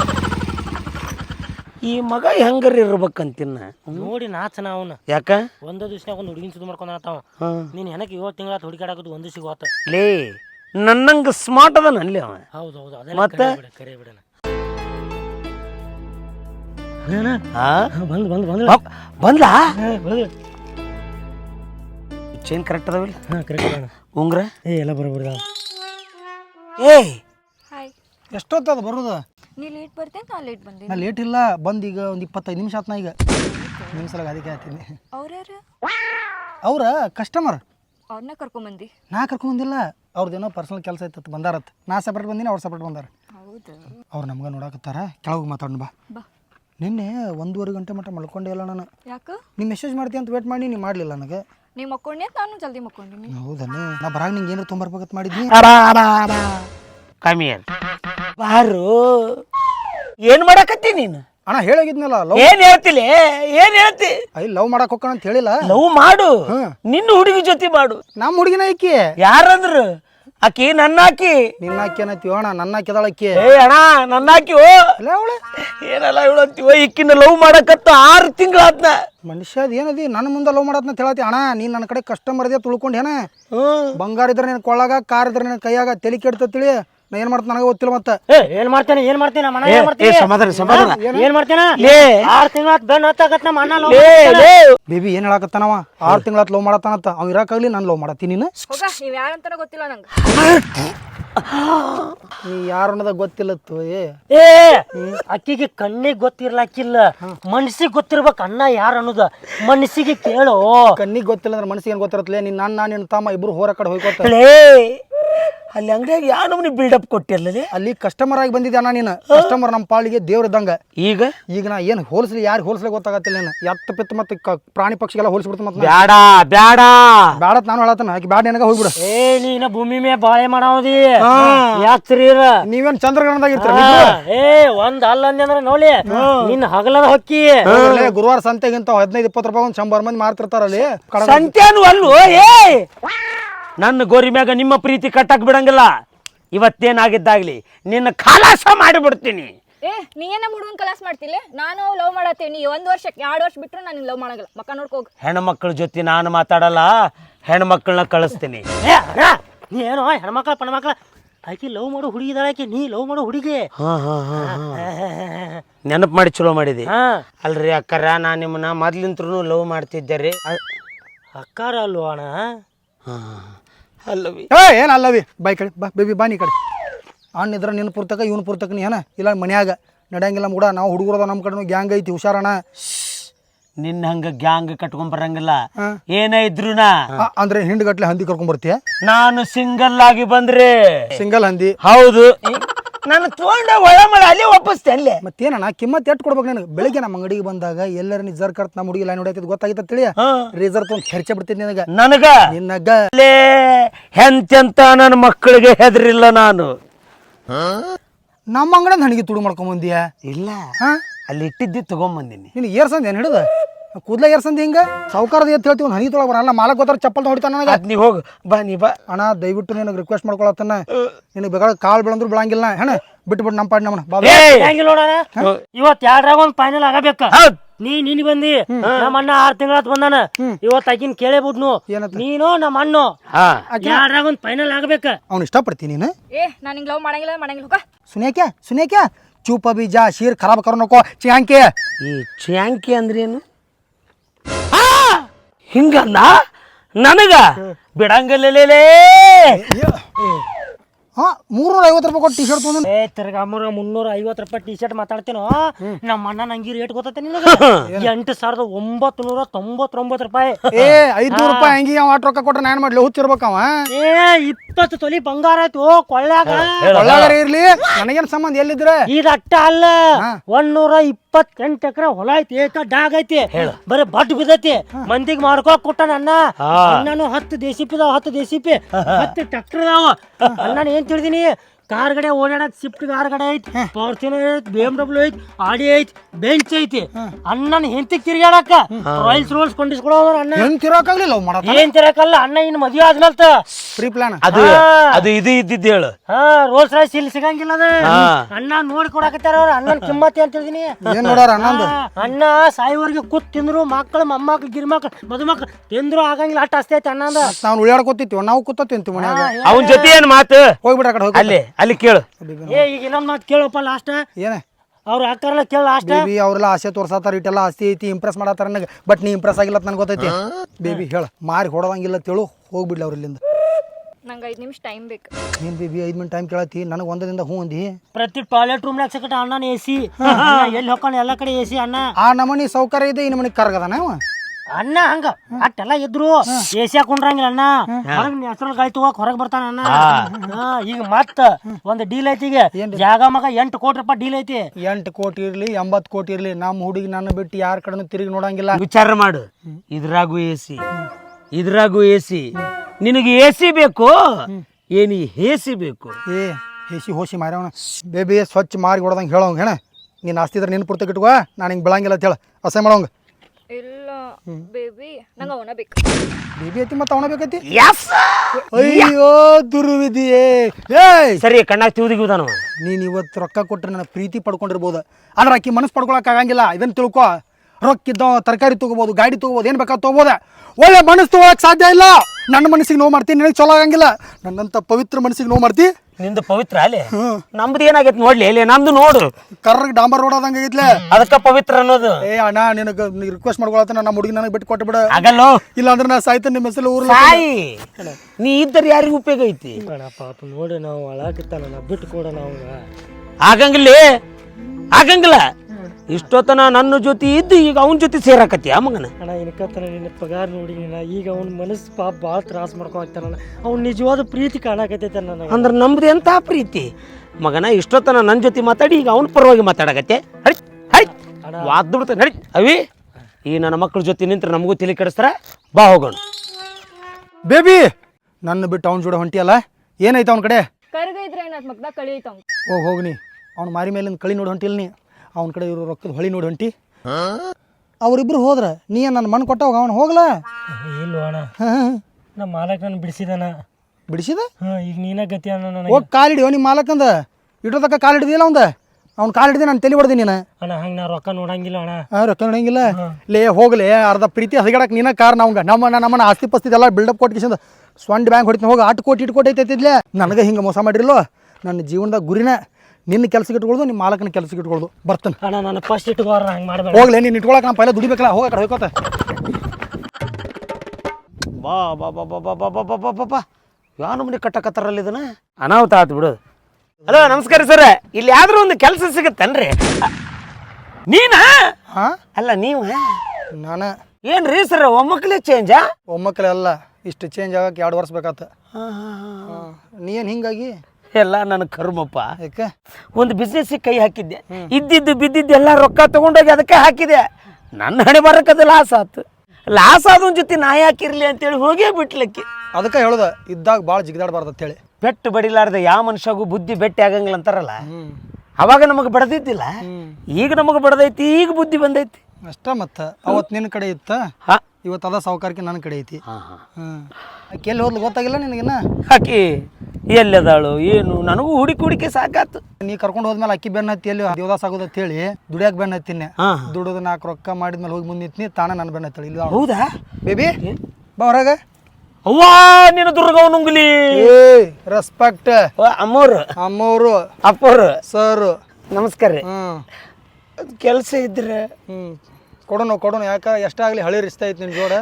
ಈ ಮಗ ಹೆಂಗಾರ ಇರ್ಬೇಕಂತಿನ್ನ
ನೋಡಿ ನಾಚನ ಅವನು.
ಯಾಕ
ಒಂದ ದಿವ್ಸನಾಗ ಒಂದು ಹುಡುಗಿನ ಸುದ್ದಿ ಮಾಡ್ಕೊಂಡಾವ. ನೀನ್ ಹೆನಕ್ ಏಳು ತಿಂಗಳ ಹುಡುಕಾಡೋದು ಒಂದು ಸಿಗೋತ.
ಲೇ ನನ್ನಂಗ ಸ್ಮಾರ್ಟ್ ಅದ ನಲ್ಲಿ ಅವ.
ಹೌದು ಹೌದು ಅದೇ
ಮತ್ತೆ
ಕರೆ ಬಿಡಣ.
ಬಂದ್
ಬಂದ್ ಬಂದ್
ಬಂದ್ಲಾ? Chain correct ಅದಾವಿಲ್ಲ?
ಹಾಂ ಕರೆಕ್ಟ್ ಅಣ್ಣ.
ಉಂಗ್ರ
ಏ ಎಲ್ಲ ಬರೋಬರ್ದ.
ಏಯ್
ಹಾಯ್.
ಎಷ್ಟೊತ್ತದ ಬರೋದು?
ನೀ ಲೇಟ್ ಬರ್ತೀನಿ ನಾ ಲೇಟ್ ಬಂದೀನಿ.
ನಾ ಲೇಟ್ ಇಲ್ಲ ಬಂದು ಈಗ ಒಂದು ಇಪ್ಪತ್ತೈದು ನಿಮಿಷ ಆತ್ನ ಈಗ. ನಿಮ್ಮ ಸಲ ಅದಕ್ಕೆ ಆತೀನಿ.
ಅವ್ರ್ಯಾರು?
ಅವ್ರ ಕಸ್ಟಮರ್.
ಅವ್ರನ್ನ ಕರ್ಕೊಂಬಂದಿ?
ನಾ ಕರ್ಕೊಂಬಂದಿಲ್ಲ. ಅವ್ರದ್ದೇನೋ ಪರ್ಸನಲ್ ಕೆಲಸ ಐತತ್ ಬಂದಾರತ್. ನಾ ಸಪ್ರೇಟ್ ಬಂದೀನಿ ಅವ್ರು ಸಪ್ರೇಟ್ ಬಂದಾರ.
ಹೌದು.
ಅವ್ರು ನಮ್ಗೆ ನೋಡಕತ್ತಾರ ಕೆಳಗೆ ಮಾತಾಡೋಣ ಬಾ.
ಬಾ.
ನಿನ್ನೆ ಒಂದೂವರೆ ಗಂಟೆ ಮಟ್ಟ ಮಲ್ಕೊಂಡೇ ಇಲ್ಲ ನಾನು.
ಯಾಕ?
ನೀ ಮೆಸೇಜ್ ಮಾಡ್ತೀಯ ಅಂತ ವೇಟ್ ಮಾಡಿ ನೀ ಮಾಡಲಿಲ್ಲ ನನಗೆ.
ನೀ ಮಕ್ಕೊಂಡಿ ಅಂತ ನಾನು ಜಲ್ದಿ ಮಕ್ಕೊಂಡಿನಿ.
ಹೌದನೇ ನಾ ಬರಾಗ ನಿಂಗೆ ಏನಾರು ತೊಂಬರ್ಬೇಕಂತ ಮಾಡಿದ್ನಿ.
ಕಮ್ಮಿ ಬಾರು ಏನು ಮಾಡಕತ್ತಿ ನೀನು?
ಅಣ್ಣ ಹೇಳಿದ್ನಲ್ಲ ಲವ್
ಏನ್ ಹೇಳ್ತಿಲಿ ಏನ್ ಹೇಳ್ತಿ
ಐ ಲವ್ ಮಾಡಕ್ ಹೋಗೋಣ ಅಂತ ಹೇಳಿಲ್ಲ.
ಲವ್ ಮಾಡು ನಿನ್ನ ಹುಡುಗಿ ಜೊತೆ ಮಾಡು.
ನಮ್ಮ ಹುಡುಗಿನ ಐಕಿ
ಯಾರಂದ್ರು ಆಕಿ ನನ್ನ ಆಕಿ
ನಿನ್ನ ಅಕ್ಕಿ ಏನೈತಿ ಅಣ್ಣ, ನನ್ನ ಹಾಕಿದಾಳ ಅಕ್ಕಿ.
ಏ ಅಣ್ಣ ನನ್ನ ಆಕಿ ಓ
ಅಲ್ಲ ಅವಳೆ
ಏನಲ್ಲ ಇವಳು ಅಂತೀವ ಇಕ್ಕಿನ ಲವ್ ಮಾಡಕತ್ತ ಆರು ತಿಂಗಳ ಆತ್ನ.
ಮನುಷ್ಯ ಅದ್ ಏನದಿ ನನ್ನ ಮುಂದೆ ಲವ್ ಮಾಡತ್ನ ಹೇಳತಿ ಅಣ್ಣ. ನೀನ್ ನನ್ನ ಕಡೆ ಕಸ್ಟಮರ್ ಇದೆ ತುಳ್ಕೊಂಡೇನ. ಬಂಗಾರ ಇದ್ರೆ ನಿನ್ ಕೊಳ್ಳಾಗ, ಕಾರ್ ಇದ್ರೆ ನಿನ್ ಕೈಯಾಗ, ತಲೆ ಕೆಡ್ತತಿಳಿ. ನಾ ಏನ್ ಮಾಡ್ತ ನನಗೆ ಗೊತ್ತಿಲ್ಲ. ಮತ್ತೆ
ಏ ಏನ್ ಮಾಡ್ತೇನೆ ಏನ್ ಮಾಡ್ತೇನೆ ನಮ್ಮ ಅಣ್ಣ ಏನ್ ಮಾಡ್ತೀನಿ
ಸಮಾಧಾನ ಸಮಾಧಾನ
ಏನ್ ಮಾಡ್ತೇನ ಆರ್ ತಿಂಗಳ ಬೆನ್ ಹತ್ತಾಗತ್ ನಮ್ಮ ಅಣ್ಣ love
ಬೇಬಿ ಏನ್ ಹೇಳಕತ್ತಾನವ? ಆರು ತಿಂಗಳಾತ್ ಲವ್ ಮಾಡತ್ತಾನತ್ತ. ಅವ್ ಇರಾಕಾಗ್ಲಿ ನಾನು ಲವ್ ಮಾಡತ್ತೀನಿ. ನೀನು
ಹೋಗ ನೀವ್ ಯಾರಂತಾನ ಗೊತ್ತಿಲ್ಲ ನಂಗೆ.
ನೀ ಯಾರು ಅನ್ನೋದ ಗೊತ್ತಿಲ್ಲತ್ತು. ಏ
ಏ ಅಕ್ಕಿಗೆ ಕಣ್ಣಿಗೆ ಗೊತ್ತಿರ್ಲಾಕಿಲ್ಲ, ಮನ್ಸಿಗೆ ಗೊತ್ತಿರ್ಬೇಕು ಅಣ್ಣ ಯಾರು ಅನ್ನೋದ. ಮನ್ಸಿಗೆ ಕೇಳು.
ಕಣ್ಣಿಗೆ ಗೊತ್ತಿಲ್ಲ ಅಂದ್ರೆ ಮನಸ್ಸಿಗೆ ಏನ್ ಗೊತ್ತಿರತ್ಲೆ? ನಿನ್ನ ಅಣ್ಣ ನಿನ್ನ ತಮ್ಮ ಇಬ್ರು ಹೋರ ಕಡೆ ಹೋಗ್ಕೋತ.
ಅಲ್ಲಿ ಅಂಗಡಿಯಾಗ ಯಾವ ನಮ್ನಿ ಬಿಲ್ಡಪ್ ಕೊಟ್ಟಿರ್ಲಿ.
ಅಲ್ಲಿ ಕಸ್ಟಮರ್ ಆಗಿ ಬಂದಿದ್ದೆ ಅಣ್ಣ ನೀನು. ಕಸ್ಟಮರ್ ನಮ್ಮ ಪಾಳಿಗೆ ದೇವ್ರ ಇದ್ದಂಗ.
ಈಗ
ಈಗ ನಾ ಏನ್ ಹೋಲ್ಸ್ಲಿ ಯಾರು ಹೋಲ್ಸ್ಲಿ ಗೊತ್ತಾಗತ್ತಿಲ್ಲ. ನೀನು ಎತ್ತ ಪಿತ್ತ ಮತ್ತೆ ಕ- ಪ್ರಾಣಿ ಪಕ್ಷಿಗೆಲ್ಲ ಹೋಲಿಸ್ಬಿಡ್ತ. ಮತ್ತೆ
ಬ್ಯಾಡ ಬ್ಯಾಡ
ಬ್ಯಾಡತ್ ನಾನು ಹೇಳತ್ತನ. ಆಕಿ ಬ್ಯಾಡ ನನಗ ಹೋಗ್ಬಿಡು.
ಏ ನೀನ ಭೂಮಿ ಮೇ ಬಾಳೆ ಮಾಡಾವದಿ ಯಾಕ್ರಿ
ನೀವೇನ್ ಚಂದ್ರಗ್ರಹಣದಾಗ ಇರ್ತೀರ?
ಏ ಒಂದ್ ಅಲ್ಲ ಅಂದ್ರ ನೋಡಿ ನಿನ್ ಹಗಲದ ಹೊಕ್ಕಿ.
ಗುರುವಾರ ಸಂತೆಗಿಂತ ಹದಿನೈದು ಇಪ್ಪತ್ತು ರೂಪಾಯಿ ಒಂದು ಶಂಬರ್ ಮಂದಿ ಮಾರ್ತಿರ್ತಾರ ಅಲ್ಲಿ.
ಸಂತ್ಯಾನು ಅಲ್ವೋ ಏ ನನ್ನ ಗೋರಿ ಮ್ಯಾಗ ನಿಮ್ಮ ಪ್ರೀತಿ ಕಟ್ಟಕ್ ಬಿಡಂಗಿಲ್ಲ. ಇವತ್ತೇನಾಗಿದ್ದಾಗ್ಲಿ ನಿನ್ನ ಖಾಲಾಸ ಮಾಡಿಬಿಡ್ತೀನಿ.
ಏ ನೀ ಏನ ಹುಡುಗನ್ ಕಲಾಸ್ ಮಾಡ್ತಿಲ್ಲ? ನಾನು ಲವ್ ಮಾಡತ್ತೇನಿ. ಒಂದ್ ವರ್ಷ ಎರಡು ವರ್ಷ ಬಿಟ್ರು ನಾನು ಲವ್ ಮಾಡಲ್ಲ. ಮಕ್ಕ ನೋಡ್ಕೋಗ.
ಹೆಣ್ಮಕ್ಳ ಜೊತೆ ನಾನು ಮಾತಾಡಲ್ಲ, ಹೆಣ್ಮಕ್ಳನ್ನ ಕಳಿಸ್ತೀನಿ.
ಏ ಅಣ್ಣ ನೀ ಏನೋ ಹೆಣ್ಮಕ್ಳ ಪಣ್ಮಕ್ಳ ಆಕಿ ಲವ್ ಮಾಡೋ ಹುಡುಗಿ ಇದಾಳ. ಆಕಿ ನೀ ಲವ್ ಮಾಡೋ ಹುಡುಗಿ.
ನೆನಪು ಮಾಡಿ ಚಲೋ ಮಾಡಿದಿ.
ಹಾ
ಅಲ್ರಿ ಅಕ್ಕರ ನಾ ನಿಮ್ಮನ್ನ ಮೊದ್ಲಿಂತ್ರು ಲವ್ ಮಾಡ್ತಿದ್ದೆ ರೀ.
ಅಕ್ಕಾರ ಅಲ್ವ ಅಣ್ಣ?
ಅಲ್ಲವಿ
ಏ ಏನ್ ಅಲ್ಲವಿ ಬೈ ಕಡೆ ಬಾ ಬೇಬಿ ಬಾ ನೀ ಕಡೆ. ಅಣ್ಣ ಇದ್ರ ನಿನ್ನ ಪುರ್ತಕ ಇವ್ನ ಪುರ್ತಕ ನೀ ಏನ ಇಲ್ಲ ಮನ್ಯಾಗ ನಡೆಯಂಗಿಲ್ಲ ಕೂಡ. ನಾವು ಹುಡುಗರದ ನಮ್ಮ ಕಡೆ ಗ್ಯಾಂಗ್ ಐತಿ, ಹುಷಾರಣ.
ನಿನ್ನ ಹಂಗ ಗ್ಯಾಂಗ್ ಕಟ್ಕೊಂಡ್ ಬರಂಗಿಲ್ಲ. ಏನೇ ಇದ್ರುನಾ
ಅಂದ್ರೆ ಹಿಂಡ್ಗಟ್ಲೆ ಹಂದಿ ಕರ್ಕೊಂಡ್ ಬರ್ತೀಯ?
ನಾನು ಸಿಂಗಲ್ ಆಗಿ ಬಂದ್ರೆ
ಸಿಂಗಲ್ ಹಂದಿ
ಹೌದು. ನಾನು ತಗೊಂಡ ಒಳ ಮಳ ಅಲ್ಲಿ ವಾಪಸ್ತೆ ಅಲ್ಲೇ.
ಮತ್ತೇನ ಕಿಮ್ಮತ್ ಎಟ್ ಕೊಡ್ಬೇಕು ನನಗೆ? ಬೆಳಿಗ್ಗೆ ನಮ್ಮ ಅಂಗಡಿಗೆ ಬಂದಾಗ ಎಲ್ಲರ ನಿಜರ್ ಕರ್ತ್ ನಮ್ಮ ಹುಡುಗಿ ಲೈನ್ ಹೊಡಿಯತ್ತಿದ್ ಗೊತ್ತಾಗಿತ್ತ ತಿಳಿಯ. ರೇಸರ್ ತೊಗೊಂಡು ಖರ್ಚೆ ಬಿಡ್ತಿದ್ ನಿನಗ.
ನನಗ
ನಿನ್ನಗ
ಹೆಂತೆಂತ ನನ್ನ ಮಕ್ಕಳಿಗೆ ಹೆದರಿಲ್ಲ ನಾನು.
ನಮ್ಮ ಅಂಗಡಿ ನನಗೆ ತುಡು ಮಾಡ್ಕೊಂಡ್ ಬಂದಿಯ?
ಇಲ್ಲ
ಹಾ
ಅಲ್ಲಿ ಇಟ್ಟಿದ್ದಿ ತಗೊಂಬಂದಿನಿ.
ನೀನು ಏರ್ಸಂದ್ ಏನ್ ಹಿಡಿದ ಕೂದ್ಲ ಏರ್ಸಂದ್ ಹಿಂಗ ಸಾವುಕಾರದ ಎತ್ ಹೇಳ್ತೀವಿ. ಹನಿ ತೊಳಗ ಬರಲ್ಲ ಮಾಲಕ್ ಗೊತ್ತಾರ ಚಪ್ಪಲ್ ಹೊಡಿತಾನ ನನಗ.
ನೀ ಹೋಗ್ ಬಾ ನೀ ಬಾ
ಅಣ್ಣ ದಯವಿಟ್ಟು ನಿನಗೆ ರಿಕ್ವೆಸ್ಟ್ ಮಾಡ್ಕೊಳತ್ತನ. ನಿನಗೆ ಬೇಕಾದ್ರೆ ಕಾಲ್ ಬೆಳಂದ್ರು ಬೆಳಂಗಿಲ್ಲ. ಹೆಣ ಬಿಟ್ಟು ಬಿಟ್ಟು ನಮ್ಮ ಪಾಡಿ ನಮ್ಮನ ಬಾಬಾ
ಹೆಂಗಿಲ್ಲ ನೋಡಣ. ಇವತ್ ಎರಡ್ರಾಗ ಒಂದ್ ಫೈನಲ್ ಆಗಬೇಕ. ನೀ ನೀನ್ ಬಂದಿ ನಮ್ಮ ಅಣ್ಣ ಆರ್ ತಿಂಗಳಾತ್ ಬಂದಾನ. ಇವತ್ ಆಕಿನ್ ಕೇಳೇ ಬಿಡ್ನು ನೀನು ನಮ್ಮ ಅಣ್ಣ ಎರಡ್ರಾಗ ಒಂದ್ ಫೈನಲ್ ಆಗಬೇಕ.
ಅವ್ನು ಇಷ್ಟಪಡ್ತೀನಿ ನೀನು?
ಏ ನಾನು ಹಿಂಗ್ ಲವ್ ಮಾಡಂಗಿಲ್ಲ ಮಾಡಂಗಿಲ್ಲ. ಹೋಗ
ಸುನೇಕ್ಯಾ ಸುನೇಕ್ಯಾ ಚೂಪ ಬೀಜ ಶೀರ್ ಖರಾಬ್ ಕರೋ ನಕೋ ಚಿಯಾಂಕೆ.
ಈ ಚ್ಯಾಂಕಿ ಅಂದ್ರೇನು? ಹಿಂಗಂದ ನನಗ ಬಿಡಂಗಲ್ಲೇ.
ಹಾ ಮೂರ್ನೂರ ಐವತ್ತು ರೂಪಾಯಿ ಕೊಟ್ಟು ಟಿ ಶರ್ಟ್ ತೊಗೊಂಡು
ಏ ತಿರ್ಗಾ ಮೂರ ಮುನ್ನೂರ ಐವತ್ತು ರೂಪಾಯಿ ಟಿ ಶರ್ಟ್ ಮಾತಾಡ್ತೇನೋ. ನಮ್ಮ ಅಣ್ಣ ನಂಗೆ ರೇಟ್ ಗೊತ್ತೈತೆ ನಿನಗ? ಎಂಟು ಸಾವಿರದ ಒಂಬತ್ತು ನೂರ ತೊಂಬತ್ತೊಂಬತ್ತು ರೂಪಾಯಿ.
ಏ ಐದ್ನೂರು ರೂಪಾಯಿ ಹಂಗಿ ಅವ ಆಟ್ ರೊಕ್ಕ ಕೊಟ್ರೆ ನಾನು ಮಾಡ್ಲಿ ಹುಚ್ಚಿರ್ಬೇಕವ.
ಏ ಇಪ್ಪತ್ತು ತೊಲಿ ಬಂಗಾರ ಆಯ್ತು ಕೊಳ್ಳಾಗ.
ಒಳ್ಳಾಗರ ಇರ್ಲಿ ನನಗೇನ್ ಸಂಬಂಧ ಎಲ್ಲಿದ್ರೆ.
ಇದು ಅಟ್ಟ ಅಲ್ಲ, ಒಂದೂರ ಇಪ್ಪತ್ತೆಂಟು ಎಕರೆ ಹೊಲ ಐತಿ. ಏಕ ಡಾಗ್ ಐತಿ, ಬರೀ ಬಟ್ ಬಿದ್ದೈತಿ. ಮಂದಿಗೆ ಮಾಡ್ಕೊಳಕ್ ಕೊಟ್ಟ ನನ್ನ ಅಣ್ಣನು ಹತ್ತು ದೇಸಿಪಿ ಇದಾವ, ಹತ್ತು ದೇಸಿಪಿ ಹತ್ತು ಟ್ರ್ಯಾಕ್ಟರ್ ಇದಾವ. ಅಣ್ಣ ಏನ್ ತಿಳಿದೀನಿ, ಕಾರ್ ಗಡೆ ಓಡಾಡಕ್ ಸ್ವಿಫ್ಟ್ ಕಾರ್ ಗಡೆ ಐತಿ, ಫಾರ್ಚುನರ್ ಐತಿ, ಬಿ ಎಂ ಡಬ್ಲ್ಯೂ ಐತಿ, ಆಡಿ ಐತಿ, ಬೆಂಚ್ ಐತಿ. ಅಣ್ಣನ ಹೆಂತಿಗೆ ತಿರ್ಗಾಡಕ ರಾಯಲ್ಸ್ ರೋಲ್ಸ್ ಕೊಂಡಿಸ್ಕೊಡೋದ್ರ ಅಣ್ಣ.
ಹೆಂಗ್ ತಿರೋಕಾಗ್ಲಿ ಲವ್ ಮಾಡತ್ತ?
ಏನ್ ತಿರಕಲ್ಲ ಅಣ್ಣ ಇನ್ನು ಮದ್ವೆ ಆದ್ಮೇಲ್ತ
ಪ್ರೀ ಪ್ಲಾನ್
ಅದು ಅದು ಇದು ಇದ್ದಿದ್ದು ಹೇಳು.
ಹಾ ರೋಲ್ಸ್ ರಾಯ್ಸ್ ಇಲ್ಲಿ ಸಿಗಂಗಿಲ್ಲ ಅದ. ಅಣ್ಣ ನೋಡಿ ಕೊಡಕತ್ತಾರ ಅವ್ರ ಅಣ್ಣನ ಕಿಮ್ಮತಿ ಅಂತ ಹೇಳಿದೀನಿ.
ಏನ್ ನೋಡಾರ ಅಣ್ಣಂದು?
ಅಣ್ಣ ಸಾಯಿವರ್ಗೆ ಕೂತ್ ತಿಂದ್ರು ಮಕ್ಕಳು ಮೊಮ್ಮಕ್ಳು ಗಿರ್ಮಕ್ಳು ಮದುಮಕ್ಳು ತಿಂದ್ರು ಆಗಂಗಿಲ್ಲ. ಅಟ್ಟ ಅಷ್ಟೇ ಐತಿ ಅಣ್ಣಂದ.
ನಾವು ಉಳಿಯಾಡ್ಕೊತಿತ್ತೀವಿ, ನಾವು ಕೂತಿಂತೀವಿ ಮನ್ಯಾಗ.
ಅವನ ಜೊತೆ ಏನ್ ಮಾತು?
ಹೋಗ್ಬಿಡ ಕಡೆ ಹೋಗಿ
ಅಲ್ಲಿ ಅಲ್ಲಿ ಕೇಳು.
ಏ ಈಗ ಇನ್ನೊಂದ್ ಮಾತು ಕೇಳಪ್ಪ ಲಾಸ್ಟ್.
ಏನೇ
ಅವ್ರು ಹಾಕಾರಲ್ಲ ಕೇಳ ಲಾಸ್ಟ್.
ಬೇಬಿ ಅವ್ರೆಲ್ಲ ಆಸೆ ತೋರ್ಸಾತಾರ, ಇಟ್ಟೆಲ್ಲ ಆಸ್ತಿ ಐತಿ, ಇಂಪ್ರೆಸ್ ಮಾಡತ್ತಾರ ನನಗೆ. ಬಟ್ ನೀ ಇಂಪ್ರೆಸ್ ಆಗಿಲ್ಲ ನನ್ಗೆ ಗೊತ್ತೈತಿ. ಬೇಬಿ ಹೇಳ ಮಾರಿ ಹೊಡೋದಂಗಿಲ್ಲ ತಿಳು, ಹೋಗ್ಬಿಡ್ಲಿ ಅವ್ರ ಇಲ್ಲಿಂದ.
ನಂಗೆ ಐದು ನಿಮಿಷ ಟೈಮ್ ಬೇಕು.
ಏನ್ ಬೇಬಿ ಐದ್ ಮಿನಿಟ್ ಟೈಮ್ ಕೇಳತಿ? ನನಗೆ ಒಂದರಿಂದ ಹ್ಞೂ ಅಂದಿ.
ಪ್ರತಿ ಟಾಯ್ಲೆಟ್ ರೂಮ್ನಾಗ ಸಿಕ್ಕಟ ಅಣ್ಣನ ಎ ಸಿ. ಎಲ್ಲಿ ಹೋಗೋಣ ಎಲ್ಲ ಕಡೆ ಎ ಸಿ. ಅಣ್ಣ
ಆ ನಮನಿ ಸೌಕರ್ಯ ಇದೆ, ಈ ನಮನಿ ಕರ್ಗದಾನ ಅವ.
ಅಣ್ಣ ಹಂಗ ಅಟ್ಟೆಲ್ಲ ಇದ್ರು ಎ ಸಿ ಹಾಕೊಂಡ್ರಂಗಿಲ್ಲ ಅಣ್ಣ. ಹೊರಗ್ ನ್ಯಾಚುರಲ್ ಗಾಳಿ ತಗೋಕ್ ಹೊರಗ್ ಬರ್ತಾನ ಅಣ್ಣ. ಹಾ ಈಗ ಮತ್ತ ಒಂದ್ ಡೀಲ್ ಐತಿ. ಈಗ ಜಾಗ ಮಗ ಎಂಟು ಕೋಟಿ ರೂಪಾಯಿ ಡೀಲ್ ಐತಿ.
ಎಂಟು ಕೋಟಿ ಇರ್ಲಿ ಎಂಬತ್ತು ಕೋಟಿ ಇರ್ಲಿ, ನಮ್ಮ ಹುಡುಗಿ ನನ್ನ ಬಿಟ್ಟು ಯಾರ ಕಡೆನೂ ತಿರುಗಿ ನೋಡಂಗಿಲ್ಲ.
ವಿಚಾರ ಮಾಡು. ಇದ್ರಾಗೂ ಎ ಸಿ, ಇದ್ರಾಗೂ ಎ ಸಿ. ನಿನಗೆ ಎ ಸಿ ಬೇಕು ಏನಿ ಎ ಸಿ ಬೇಕು?
ಏ ಹೇಸಿ ಹೋಸಿ ಮಾರ್ಯವನ ಬೇಬಿ ಸ್ವಚ್ಛ ಮಾರಿ ಹೊಡ್ದಂಗೆ ಹೇಳೋಂಗ ಹೆಣ ನೀನು ಆಸ್ತಿ ಇದ್ರೆ ನಿನ್ನ ಪುರ್ತಕ್ಕೆ ಇಟ್ಕೋ, ನಾನು ಹಿಂಗೆ ಬೆಳಂಗಿಲ್ಲ ಅಂತ ಹೇಳ ಅಸಹ್ಯ ಮಾಡೋಂಗ.
ಇಲ್ಲ ಬೇಬಿ ನಂಗೆ ಅವನ ಬೇಕು.
ಬೇಬಿ ಐತಿ ಮತ್ತೆ ಅವನ ಬೇಕೈತಿ.
ಯಸ್
ಅಯ್ಯೋ ದುರ್ವಿಧಿಯೇ. ಏಯ್
ಸರಿ ಕಣ್ಣಾಗ ತಿವ್ದಿಗಿದಾನವ.
ನೀನು ಇವತ್ತು ರೊಕ್ಕ ಕೊಟ್ಟರೆ ನನ್ನ ಪ್ರೀತಿ ಪಡ್ಕೊಂಡಿರ್ಬೋದು, ಆದ್ರೆ ಆಕಿ ಮನಸ್ಸು ಪಡ್ಕೊಳಕ್ಕೆ ಆಗಂಗಿಲ್ಲ. ಇದನ್ನು ತಿಳ್ಕೊ, ರೊಕ್ಕ ಇದ್ದ ತರಕಾರಿ ತೊಗೋಬೋದು, ಗಾಡಿ ತೊಗೋಬೋದು, ಏನು ಬೇಕಾದ ತೊಗೋಬೋದ. ಒಳ್ಳೆ ಮನಸ್ಸು ತೊಗೊಳಕ್ಕೆ ಸಾಧ್ಯ ಇಲ್ಲ. ನನ್ನ ಮನಸ್ಸಿಗೆ ನೋವು ಮಾಡ್ತೀನಿ, ನಿನಗೆ ಚಲೋ ಆಗಂಗಿಲ್ಲ. ನನ್ನಂಥ ಪವಿತ್ರ ಮನಸ್ಸಿಗೆ ನೋವು ಮಾಡ್ತಿ.
ನಿಂದು ಪವಿತ್ರ ಅಲ್ಲೇ, ನಮ್ದು ಏನಾಗೈತೆ ನೋಡ್ಲಿ ಅಲ್ಲಿ, ನಮ್ದು ನೋಡು
ಕರ್ರಗೆ ಡಾಂಬರ್ ರೋಡ್ ಆದಂಗೆ ಆಗೈತ್ಲೆ.
ಅದಕ್ಕ ಪವಿತ್ರ ಅನ್ನೋದು.
ಏ ಅಣ್ಣ, ನಿನಗೆ ರಿಕ್ವೆಸ್ಟ್ ಮಾಡ್ಕೊಳತ್ತ ನಮ್ಮ ಹುಡುಗಿ ನನಗೆ ಬಿಟ್ಟು ಕೊಟ್ಟು ಬಿಡ.
ಆಗಲ್ಲೋ,
ಇಲ್ಲ ಅಂದ್ರೆ ನಾ ಸಾಯ್ತೇನೆ ನಿಮ್ಮ ಹೆಸರು ಊರ್ಲ.
ಸಾಯಿ, ನೀ ಇದ್ದರೆ ಯಾರಿಗೂ ಉಪಯೋಗ ಐತಿ.
ಪಾಪ ನೋಡಿ ನಾವು ಅಳಾಕಿತ್ತಾನ, ನಾ ಬಿಟ್ಟು ಕೊಡ ನಾವು.
ಆಗಂಗಿಲ್ಲ ಆಗಂಗಿಲ್ಲ. ಇಷ್ಟೊತ್ತನ ನನ್ನ ಜೊತೆ ಇದ್ದು ಈಗ ಅವನ ಜೊತೆ ಸೇರಾಕತ್ತಿ ಆ ಮಗನ.
ಅಣ್ಣ ಇನ್ಕತ್ತನ ನಿನ್ನ ಪಗಾರ ನೋಡಿ ನೀನು ಈಗ ಅವ್ನ ಮನಸ್ಸು ಪಾಪ ಭಾಳ ತ್ರಾಸ ಮಾಡ್ಕೊ ಆಗ್ತಾನಣ್ಣ. ಅವ್ನು ನಿಜವಾದ ಪ್ರೀತಿ ಕಾಣಕತ್ತೈತೆ ನನಗೆ.
ಅಂದ್ರೆ ನಮ್ದು ಎಂಥ ಪ್ರೀತಿ ಮಗನ. ಇಷ್ಟೊತ್ತನ ನನ್ನ ಜೊತೆ ಮಾತಾಡಿ ಈಗ ಅವನ ಪರವಾಗಿ ಮಾತಾಡಕತ್ತೆ. ಹರಿ ಹರಿ ವಾದ್ ಬಿಡ್ತಾನೆ. ನಡಿ ಅವಿ, ಈ ನನ್ನ ಮಕ್ಕಳ ಜೊತೆ ನಿಂತ್ರೆ ನಮಗೂ ತಲೆ ಕೆಡಿಸ್ತಾರ. ಬಾ ಹೋಗೋಣ.
ಬೇಬಿ, ನನ್ನ ಬಿಟ್ಟು ಅವ್ನ ಜೋಡ ಹೊಂಟಿಯಲ್ಲ, ಏನೈತೆ ಅವ್ನ ಕಡೆ?
ಕರ್ಗ ಇದ್ರೆ ಏನಾದ್ ಮಗ್ದಾಗ ಕಳಿ ಐತ ಅವ್ನು.
ಹೋಗಿ ಹೋಗಿ ನೀ ಅವ್ನ ಮಾರಿ ಮೇಲಿಂದ ಕಳಿ ನೋಡಿ ಹೊಂಟಿಲ್ಲ. ನೀ ಅವ್ನ ಕಡೆ ಇರೋ ರೊಕ್ಕದ ಹೊಳಿ ನೋಡಿ ಹೊಂಟಿ. ಅವ್ರಿಬ್ರು ಹೋದ್ರ ನೀ ನನ್ನ ಮಣ್ಣು ಕೊಟ್ಟ ಅವ್ನು ಹೋಗ್ಲ.
ಇಲ್ವ ಅಣ್ಣ,
ಹಾಂ
ನಮ್ಮ ಮಾಲಕ್ ನಾನು ಬಿಡಿಸಿದಾನ.
ಬಿಡಿಸಿದ
ಹಾಂ ಈಗ ನೀನ ಗತಿ ಅಣ್ಣ ನನಗೆ.
ಹೋಗಿ ಕಾಲು ಹಿಡಿಯೋ ನಿಮ್ಮ ಮಾಲಕಂದ. ಇಟ್ಟೋದಕ್ಕ ಕಾಲು ಹಿಡಿದಿಲ್ಲ ಅವಂದ. ಅವ್ನು ಕಾಲು ಹಿಡಿದು ನಾನು ತಲೆ ಹೊಡೆದಿ ನೀನು.
ಅಣ್ಣ ಹಂಗೆ ನಾ ರೊಕ್ಕ ನೋಡಂಗಿಲ್ಲ ಅಣ್ಣ.
ಹಾಂ ರೊಕ್ಕ ನೋಡಂಗಿಲ್ಲ. ಲೇ ಹೋಗ್ಲಿ, ಅರ್ಧ ಪ್ರೀತಿ ಹದಗಡಕ್ಕೆ ನೀನ ಕಾರಣ. ಅವಂಗ ನಮ್ಮನ್ನ ನಮ್ಮನ್ನ ಆಸ್ತಿ ಪಸ್ತಿ ಎಲ್ಲ ಬಿಲ್ಡಪ್ ಕೊಟ್ಟು ಸ್ವಂಡ್ ಬ್ಯಾಂಕ್ ಹೊಡಿತೀನಿ. ಹೋಗಿ ಆಟು ಕೋಟಿ ಇಟ್ಟು ಕೋಟಿ ಐತೈತಿದ್ಲೆ. ನನಗೆ ಹಿಂಗೆ ಮೋಸ ಮಾಡಿರಲ್ಲೋ. ನನ್ನ ಜೀವನದಾಗ ಗುರಿನ ನಿನ್ನ ಕೆಲಸಕ್ಕೆ ಇಟ್ಕೊಳ್ದು, ನಿಮ್ಮ ಮಾಲಕನ ಕೆಲಸಕ್ಕೆ ಇಟ್ಕೊಳ್ದು. ಬರ್ತಾನೆ
ಅಣ್ಣ ನಾನು ಫಸ್ಟ್ ಇಟ್ಕೋರ ಹಂಗೆ ಮಾಡಬೇಡ.
ಹೋಗ್ಲಿ, ನೀನು ಇಟ್ಕೊಳಕ್ಕೆ ನಾನು ಪೈಲ ದುಡಿಬೇಕಲ್ಲ. ಹೋಗ ಕಡೆ ಹೋಯ್ಕೋತ.
ಬಾ ಬಾ ಬಾ ಬಾ ಬಾ ಬಾ ಬಾ ಬಾ ಬಾ ಬಾ ಬಾ ಯಾವ ನಮ್ಮನೆ ಕಟ್ಟಕತ್ತಾರಲ್ಲ ಇದನ್ನ. ಅನಾಹುತ ಆತು ಬಿಡು. ಹಲೋ ನಮಸ್ಕಾರ ಸರ್, ಇಲ್ಲಿ ಯಾವ್ದಾರು ಒಂದು ಕೆಲಸ ಸಿಗತ್ತನ್ರಿ? ನೀನಾ?
ಹಾಂ
ಅಲ್ಲ ನೀವು
ನಾನು
ಏನ್ರಿ ಸರ್ ಒಮ್ಮಕ್ಲೇ ಚೇಂಜಾ?
ಒಮ್ಮಕ್ಕಲೆ ಅಲ್ಲ, ಇಷ್ಟು ಚೇಂಜ್ ಆಗಕ್ಕೆ ಎರಡು ವರ್ಷ ಬೇಕಾತ. ನೀ ಏನು ಹಿಂಗಾಗಿ?
ಎಲ್ಲ ನನ್ನ ಕರ್ಮಪ್ಪ.
ಯಾಕೆ?
ಒಂದು ಬಿಸ್ನೆಸ್ಸಿಗೆ ಕೈ ಹಾಕಿದ್ದೆ, ಇದ್ದಿದ್ದು ಬಿದ್ದಿದ್ದು ಎಲ್ಲ ರೊಕ್ಕ ತಗೊಂಡೋಗಿ ಅದಕ್ಕೆ ಹಾಕಿದೆ. ನನ್ನ ಹಣೆ ಬರಕ್ಕದ ಲಾಸ್ ಆತು. ಲಾಸ್ ಆದವನ ಜೊತೆ ನಾ ಯಾಕಿರ್ಲಿ ಅಂತೇಳಿ ಹೋಗೇ ಬಿಟ್ಲಕ್ಕಿ.
ಅದಕ್ಕೆ ಹೇಳುದ, ಇದ್ದಾಗ ಭಾಳ ಜಿಗಿದಾಡಬಾರ್ದು ಅಂತೇಳಿ.
ಪೆಟ್ಟು ಬಡಿಲಾರ್ದೆ ಯಾವ ಮನುಷ್ಯಗೂ ಬುದ್ಧಿ ಬೆಟ್ಟಿ ಆಗಂಗಿಲ್ಲ ಅಂತಾರಲ್ಲ. ಅವಾಗ ನಮಗೆ ಬಡದಿದ್ದಿಲ್ಲ, ಈಗ ನಮಗೆ ಬಡದೈತಿ, ಈಗ ಬುದ್ಧಿ ಬಂದೈತಿ
ಅಷ್ಟ. ಮತ್ತು ಅವತ್ತು ನಿನ್ನ ಕಡೆ ಇತ್ತ,
ಹಾಂ
ಇವತ್ತು ಅದ ಸಾವುಕಾರಕ್ಕೆ ನನ್ನ ಕಡೆ ಐತಿ.
ಹಾಂ ಹಾಂ
ಹಾಂ ಆಕೆ ಎಲ್ಲಿ ಹೋದ್ಲು ಗೊತ್ತಾಗಿಲ್ಲ ನಿನಗಿನ್ನ?
ಆಕಿ ಎಲ್ಲದಾಳು ಏನು ನನಗೂ ಹುಡುಕಿ ಹುಡುಕಿ ಸಾಕಾತು.
ನೀ ಕರ್ಕೊಂಡು ಹೋದ್ಮೇಲೆ ಅಕ್ಕಿ ಬೆನ್ನ ಹತ್ತಿ ಎಲ್ಲಿ ದೇವದಾಸ್ ಆಗೋದು ಅಂತ ಹೇಳಿ ದುಡಿಯಾಕ ಬೆನ್ನ ಹತ್ತಿನಿ.
ಹಾಂ
ದುಡಿದು ನಾಲ್ಕು ರೊಕ್ಕ ಮಾಡಿದ್ಮೇಲೆ ಹೋಗಿ ಮುಂದೆ ನಿಂತೀನಿ, ತಾನೇ ನನ್ನ ಬೆನ್ನ ಹತ್ತಳಿ. ಇಲ್ಲ
ಹೌದಾ
ಬೇಬಿ, ಬಾ ಹೊರಗೆ.
ಅವ್ವಾ ನಿನ್ನ ದುರ್ಗವ್ ನುಂಗ್ಲಿ.
ಏ ರೆಸ್ಪೆಕ್ಟ್.
ಅಮ್ಮೋರು
ಅಮ್ಮವರು
ಅಪ್ಪೋರು
ಸರ್
ನಮಸ್ಕಾರ ರೀ.
ಹ್ಞೂ
ಕೆಲಸ ಇದ್ರೆ
ಹ್ಞೂ ಕೊಡೋಣ ಕೊಡೋಣ. ಯಾಕೆ ಎಷ್ಟಾಗಲಿ ಹಳಿ ರಿಸ್ತಾ ಐತಿ ನಿನ್ನ ಜೋಡ.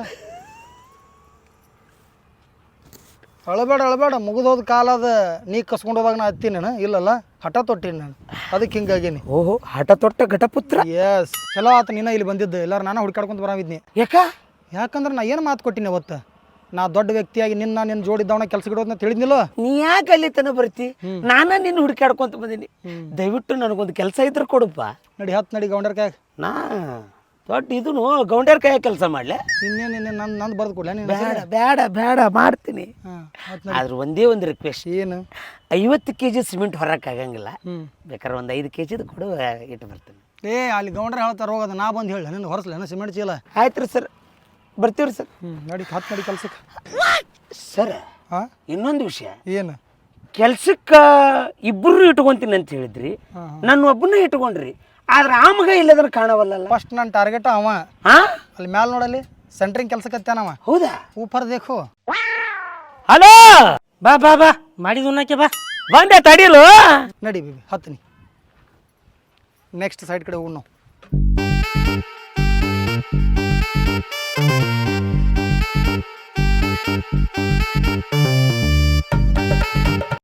ಅಳಬೇಡ ಅಳಬೇಡ, ಮುಗಿದೋದ ಕಾಲ ಅದ. ನೀ ಕಸ್ಕೊಂಡು ಹೋದಾಗ ನಾ ಹತ್ತೀನಿ ನಾನು. ಇಲ್ಲಲ್ಲ, ಹಠ ತೊಟ್ಟಿನಿ ನಾನು, ಅದಕ್ಕೆ ಹಿಂಗಾಗೀನಿ.
ಓಹೋ ಹಠ ತೊಟ್ಟ ಘಟಪುತ್ರ.
ಎಸ್ ಚಲೋ ಆತ ನೀನ ಇಲ್ಲಿ ಬಂದಿದ್ದು. ಎಲ್ಲಾರು ನಾನು ಹುಡ್ಕಾಡ್ಕೊಂತ ಬರಾವಿದ್ನಿ.
ಯಾಕ?
ಯಾಕಂದ್ರೆ ನಾ ಏನು ಮಾತು ಕೊಟ್ಟಿನಿ ಅವತ್ತು. ನಾ ದೊಡ್ಡ ವ್ಯಕ್ತಿಯಾಗಿ ನಿನ್ನ ನಿನ್ನ ಜೋಡಿದ್ದವನ ಕೆಲಸ ಇಡೋದನ್ನ ತಿಳಿದ್ನಿಲ್ಲ.
ನೀ ಯಾಕೆ ಅಲ್ಲಿ ತನ ಬರ್ತಿ? ನಾನ ನಿನ್ನ ಹುಡುಕಾಡ್ಕೊಂತ ಬಂದೀನಿ. ದಯವಿಟ್ಟು ನನಗೊಂದು ಕೆಲಸ ಇದ್ರೆ ಕೊಡಪ್ಪ.
ನಡಿ ಹತ್ತು ನಡಿ ಗೌಂಡರ್ ಕಾಯ.
ನಾ ದೊಡ್ಡ ಇದನು ಗೌಂಡ್ಯಾರ ಕೈಯಾಗ ಕೆಲಸ ಮಾಡ್ಲೆ?
ಇನ್ನೇನು ನಿನ್ನೆ ನನ್ನ ನಂದು ಬರ್ದು ಕೊಡ್ಲ ನೀನು?
ಬೇಡ ಬೇಡ ಬೇಡ ಮಾಡ್ತೀನಿ.
ಹಾಂ
ಆದ್ರೆ ಒಂದೇ ಒಂದು ರಿಕ್ವೆಸ್ಟ್.
ಏನು?
ಐವತ್ತು ಕೆ ಜಿ ಸಿಮೆಂಟ್ ಹೊರಕ್ಕೆ ಆಗಂಗಿಲ್ಲ.
ಹ್ಞೂ
ಬೇಕಾದ್ರೆ ಒಂದು ಐದು ಕೆ ಜಿದು ಕೊಡು, ಇಟ್ಟು ಬರ್ತೀನಿ.
ಏ ಅಲ್ಲಿ ಗೌಂಡ್ರ ಹೇಳ್ತಾರೆ ಹೋಗೋದು, ನಾ ಬಂದು ಹೇಳಿ ನಿನ್ನ ಹೊರಸ್ಲೇನ ಸಿಮೆಂಟ್ ಚೀಲ.
ಆಯ್ತು ರೀ ಸರ್, ಬರ್ತೀವಿ ರೀ ಸರ್.
ಹ್ಞೂ ನಡಿ ಹತ್ತು ನಡಿ ಕೆಲ್ಸಕ್ಕೆ.
ಸರ್
ಹಾಂ
ಇನ್ನೊಂದು ವಿಷಯ,
ಏನು?
ಕೆಲ್ಸಕ್ಕೆ ಇಬ್ಬರು ಇಟ್ಕೊಂತೀನಿ ಅಂತ ಹೇಳಿದ್ರಿ, ನನ್ನ ಒಬ್ಬನೇ ಇಟ್ಕೊಂಡ್ರಿ. ಆದ್ರೆ ಆ ಮಗ ಇಲ್ಲದ್ರ ಕಾಣವಲ್ಲ.
ಫಸ್ಟ್ ನನ್ನ ಟಾರ್ಗೆಟ್ ಅವ.
ಹಾ
ಅಲ್ಲಿ ಮ್ಯಾಲೆ ನೋಡಲ್ಲಿ ಸೆಂಟ್ರಿಂಗ್ ಕೆಲ್ಸಕ್ಕೆ ಹತ್ತಾನವ.
ಹೌದಾ?
ಊಪರ್ ದೇಖು.
ಹಲೋ
ಬಾ ಬಾ ಬಾ ಮಾಡಿದ್ ಉಣ್ಣಕ್ಕೆ ಬಾ.
ಬಂದೆ ತಡಿಯಲು.
ನಡಿ ಬೇಬಿ ಹತ್ತೀನಿ. ನೆಕ್ಸ್ಟ್ ಸೈಡ್ ಕಡೆ ಹೋಗೋಣ ನಾವು.